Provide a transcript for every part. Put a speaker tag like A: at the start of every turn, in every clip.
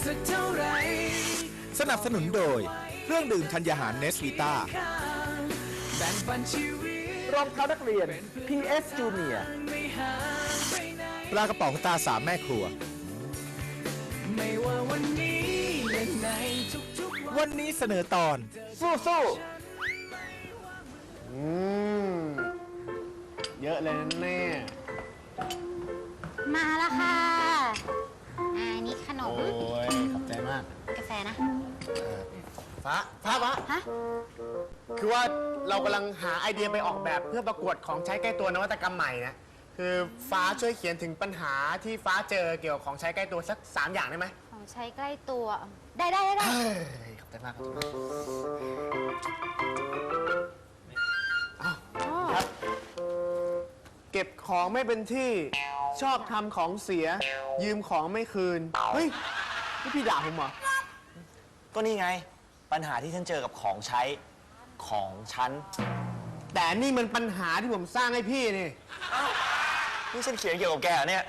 A: สักเท่าไหร่
B: สนับสนุนโดยเครื่องดื่มธัญญาหารเนสวีตา
A: แบ่งปันชีวิต
B: รองเท้านักเรียน PS Junior
A: ไม่ห่างไปไหน
B: ปลากระป๋องตาสามแม่ครัว
A: ไม่ว่าวันนี้และในทุกๆ
B: วันนี้เสนอตอน
C: สู้เยอะเลยนะแน่
D: มาแล้วค่ะนี่ขนม
C: โอ้ยขอบใจมาก
D: กาแฟนะ
C: ฟ้า
D: ฮะ
C: คือว่าเรากำลังหาไอเดียไปออกแบบเพื่อประกวดของใช้ใกล้ตัวนวัตกรรมใหม่นะคือฟ้าช่วยเขียนถึงปัญหาที่ฟ้าเจอเกี่ยวกับของใช้ใกล้ตัวสัก3 อย่างได้ไหม
D: ของใช้ใกล้ตัวได้
C: ขอบใจมากครับเก็บของไม่เป็นที่ชอบทำของเสียยืมของไม่คืนเฮ้ยนี่พี่ด่าผมเหรอ
E: ก็นี่ไงปัญหาที่ฉันเจอกับของใช้ของฉัน
C: แต่นี่มันปัญหาที่ผมสร้างให้พี่นี่
E: นี่ฉันเขียนเกี่ยวกับแกเนี่ย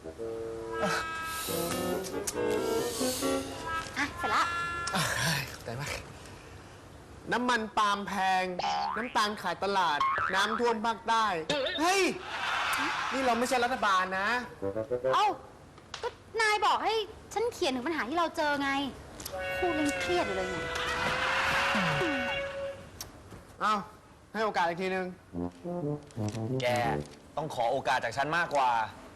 D: เสร็จละ
C: ขอบใจมากน้ำมันปาล์มแพงน้ำตาลขายตลาดน้ำท่วมภาคใต้เฮ้ยนี่เราไม่ใช่รัฐบาลนะ
D: เอ้าก็นายบอกให้ฉันเขียนถึงปัญหาที่เราเจอไงครูยังเครียดอยู่เลยไง
C: เอ้าให้โอกาสอีกทีนึง
E: แกต้องขอโอกาสจากฉันมากกว่า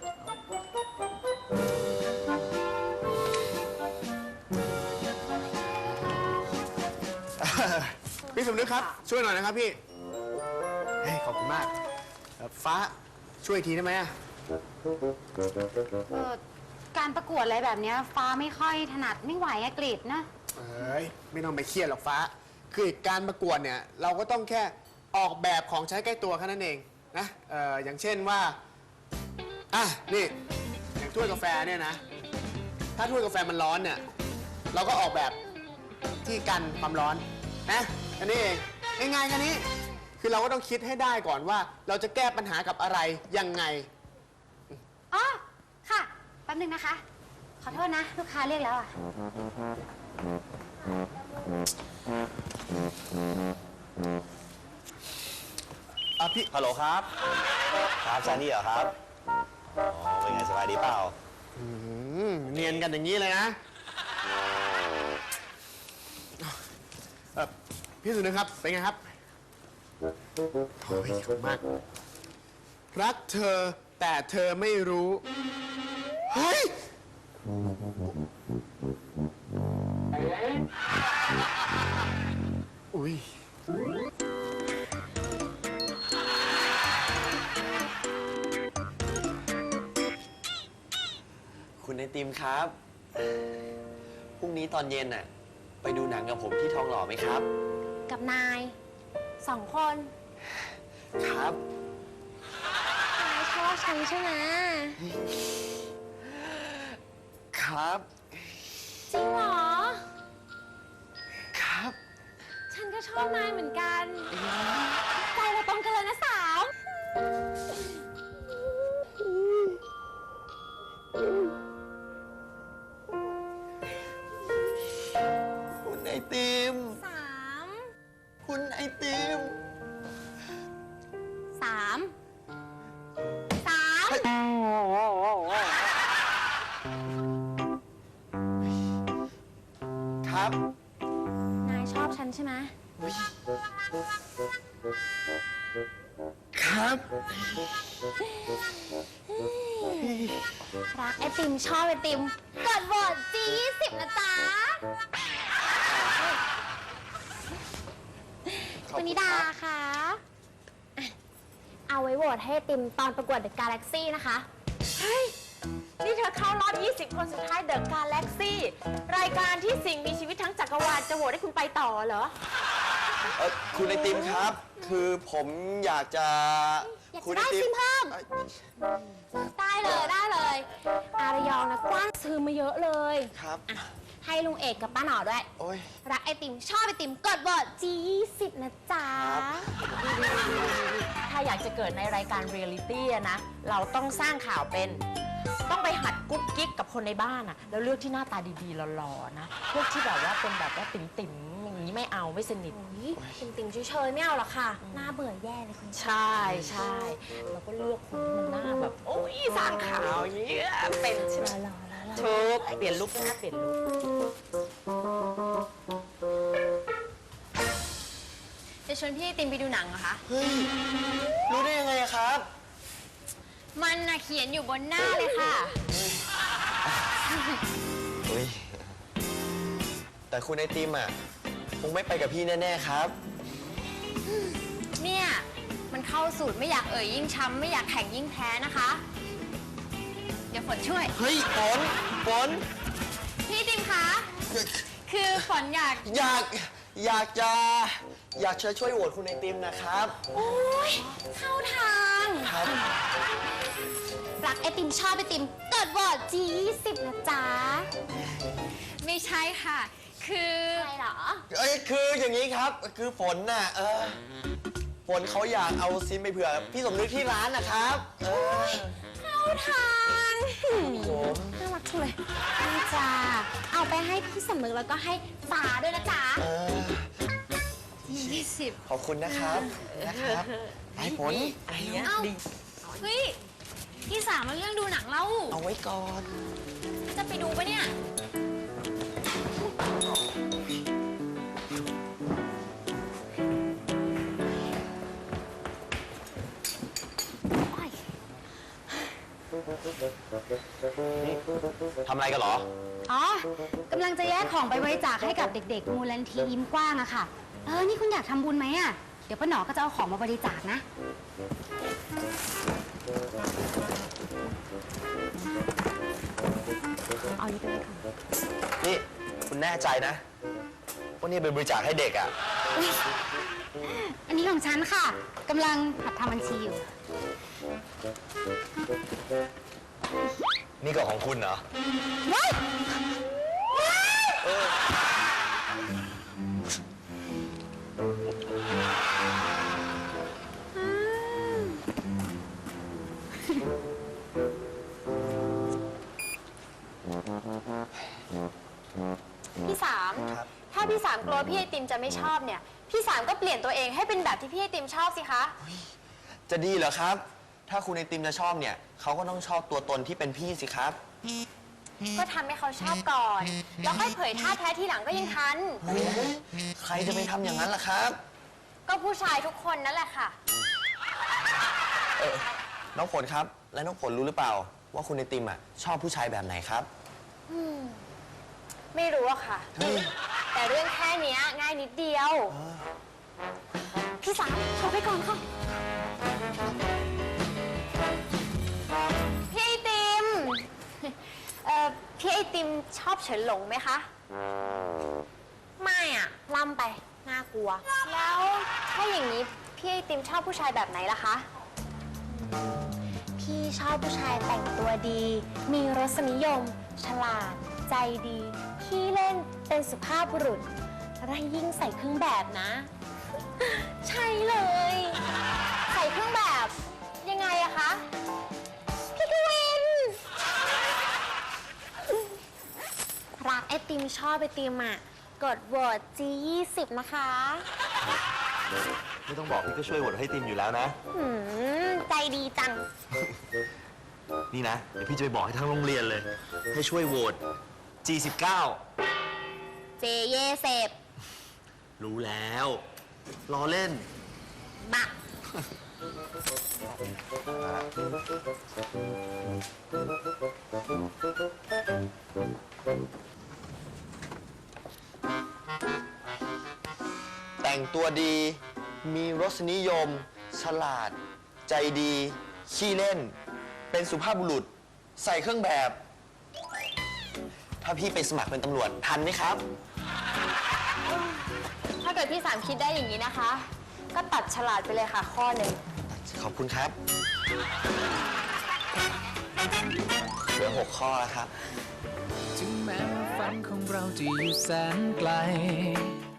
C: พี่สมนึกครับช่วยหน่อยนะครับพี่เฮ้ยขอบคุณมากฟ้าช่วยทีได้ไหม
D: การประกวดอะไรแบบนี้ฟ้าไม่ค่อยถนัดไม่ไหวอะกฤษนะ
C: ไม่ต้องไปเครียดหรอกฟ้าคือการประกวดเนี่ยเราก็ต้องแค่ออกแบบของใช้ใกล้ตัวแค่นั้นเองนะอย่างเช่นว่านี่อย่างถ้วยกาแฟเนี่ยนะถ้าถ้วยกาแฟมันร้อนเนี่ยเราก็ออกแบบที่กันความร้อนนะอันนี้เองง่ายๆแค่นี้คือเราก็ต้องคิดให้ได้ก่อนว่าเราจะแก้ปัญหากับอะไรยังไง
D: อ๋อค่ะแป๊บนึงนะคะขอโทษนะลูกค้าเรียกแล้ว
C: พี่
E: ฮัลโหลครับครับซานี่เหรอครับอ๋อเป็นไงสบายดีเปล่า
C: เนียนกันอย่างนี้เลยนะพี่สุนึกครับเป็นไงครับโอ้ยขอบคุณมากรักเธอแต่เธอไม่รู้เฮ้ยอุ้ย
E: คุณไอติมครับพรุ่งนี้ตอนเย็นน่ะไปดูหนังกับผมที่ทองหล่อไหมครับ
D: กับนาย2 คน
E: ครับ
D: นายชอบฉันใช่ไหม
E: ครับ
D: จริงเหรอ
E: ครับ
D: ฉันก็ชอบนายเหมือนกันใจเราตรงกันเลยนะสาว
E: คุณไอติมคุณไอติมครับ
D: นายชอบฉันใช่ไหม
E: ครับ
D: รักไอติมชอบไอติมกดโหวต G20 นะจ๊ะคุณนิดาค่ะเอาไว้โหวตให้ไอติมตอนประกวด The Galaxy นะคะ
F: เฮ้ยนี่เธอเข้ารอบ20 คนสุดท้าย The Galaxy รายการที่สิ่งมีชีวิตทั้งจักรวาลจะโหวตให้คุณไปต่อเหรอ
E: คุณไอติมครับคือผมอยากจะ
D: ได้ซิมเพิ่มได้เลยอารยองนะกว้างซื้อมาเยอะเลย
E: ครับ
D: ให้ลุงเอกกับป้าหน่อด้วยรักไอติมชอบไอติมกดโหวต G20 นะจ๊ะ
F: ถ้าอยากจะเกิดในรายการเรียลลิตี้นะเราต้องสร้างข่าวเป็นต้องไปหัดกุ๊กกิ๊กกับคนในบ้านอะแล้วเลือกที่หน้าตาดีๆหล่อๆนะพวกที่แบบว่าเป็นแบบว่าติ๋มๆอย่างนี้ไม่เอาไม่สนิท
D: ติ่มๆเฉยๆไม่เอาหรอกค่ะ หน้าเบื่อแย่เลยคุณ
F: ใช่ใช่แล้วก็เลือกคนที่มันหน้าแบบโอ้ยสร้างขาวอย่างเงี้ยเป็นใช่ไหม
D: หล่อๆแล้ว
F: ถูกเปลี่ยนลุคนะเปลี่ยนลุค
D: จะชวนพี่ไอติมไปดูหนังเหรอคะ
E: เฮ้ย รู้ได้ยังไงอะครับ
D: มันน่ะเขียนอยู่บนหน้าเลยค่ะ
E: เฮ้ย แต่คุณไอติมอ่ะคงไม่ไปกับพี่แน่ๆครับ
D: เนี่ย มันเข้าสูตรไม่อยากเอ่ยยิ่งช้ำไม่อยากแข่งยิ่งแพ้นะคะ เดี๋ยวฝนช่วย
E: เฮ้ยฝน
D: พี่ไอติมคะ คือฝนอยาก
E: อยากจะช่วยโหวตคุณไอติมนะครับ
D: โอ้ยเข้าทาง
E: ครับ
D: รักไอติมชอบไอติมกดโหวต G20 นะจ๊ะ ไม่ใช่ค่ะ คืออะไรเหรอ
E: คืออย่างนี้ครับ คือฝนน่ะฝนเขาอยากเอาซิมไปเผื่อพี่สมนึกที่ร้านนะครับ
D: เข้าทาง น่ารักจังเลยนี่จ้าเอาไปให้พี่สมนึกแล้วก็ให้ฟ้าด้วยนะจ๊ะ 20
E: ขอบคุณนะครับไอ้ฝน
F: อันเนี้ย
D: เอ้า
F: ดี
D: เฮ้ย พี่สามมาเรื่องดูหนังเล่า
E: เอาไว้ก่อน
D: จะไปดูปะเนี่ย
E: ทำอะไรกันเหรอ
G: อ๋อกำลังจะแยกของไปบริจาคให้กับเด็กๆ มูลนิธิยิ้มกว้างอะค่ะ นี่คุณอยากทำบุญไหมอะเดี๋ยวป้าหนอก็จะเอาของมาบริจาคนะ เอานี้ไปเลยค่ะ
E: นี่คุณแน่ใจนะว่านี่เป็นบริจาคให้เด็กอ่ะ
G: อันนี้ของฉันค่ะกำลังหัดทำบัญชีอยู่
E: นี่ก็ของคุณเหรอ
D: พี่สาม
E: ครับ
D: ถ้าพี่สามกลัวพี่ไอติมจะไม่ชอบเนี่ย พี่สามก็เปลี่ยนตัวเองให้เป็นแบบที่พี่ไอติมชอบสิคะ
E: จะดีเหรอครับ ถ้าคุณไอติมจะชอบเนี่ยเขาก็ต้องชอบตัวตนที่เป็นพี่สิครับ
D: ก็ทำให้เขาชอบก่อน แล้วค่อยเผยท่าแท้ทีหลังก็ยังทัน
E: ใครจะไปทำอย่างนั้นล่ะครับ
D: ก็ผู้ชายทุกคนนั่นแหละค่ะ
E: น้องฝนครับ และน้องฝนรู้หรือเปล่า ว่าคุณไอติมอ่ะชอบผู้ชายแบบไหนครับ
D: ไม่รู้อะค่ะ แต่เรื่องแค่เนี้ยง่ายนิดเดียว พี่สามโทรไปก่อนค่ะ พี่ไอติม พี่ไอติมชอบเฉินหลงไหมคะ ไม่อะล่ำไป น่ากลัว แล้วถ้าอย่างนี้พี่ไอติมชอบผู้ชายแบบไหนล่ะคะ พี่ชอบผู้ชายแต่งตัวดี มีรสนิยม ฉลาด ใจดีขี้เล่น เป็นสุภาพบุรุษและยิ่งใส่เครื่องแบบนะ ใช่เลย ใส่เครื่องแบบยังไงอะคะ พี่กวิน รักไอติมชอบไอติมอะกดโหวต G20 นะคะ
E: ไม่ต้องบอกพี่ก็ช่วยโหวตให้ติมอยู่แล้วนะ
D: ใจดีจัง
E: นี่นะ เดี๋ยวพี่จะไปบอกให้ทั้งโรงเรียนเลย ให้ช่วยโหวต G19
D: เจเยเสพ
E: รู้แล้วรอเล่น
D: บัก
E: แต่งตัวดี มีรสนิยม ฉลาด ใจดี ขี้เล่น เป็นสุภาพบุรุษ ใส่เครื่องแบบ ถ้าพี่ไปสมัครเป็นตำรวจทันไหมครับ
D: ถ้าเกิดพี่สามคิดได้อย่างนี้นะคะ ก็ตัดฉลาดไปเลยค่ะข้อหนึ่ง
E: ขอบคุณครับ เหลือ6 ข้อแล้วครับ
A: ถึงแม้ว่าฝันของเราจะอยู่แสนไกล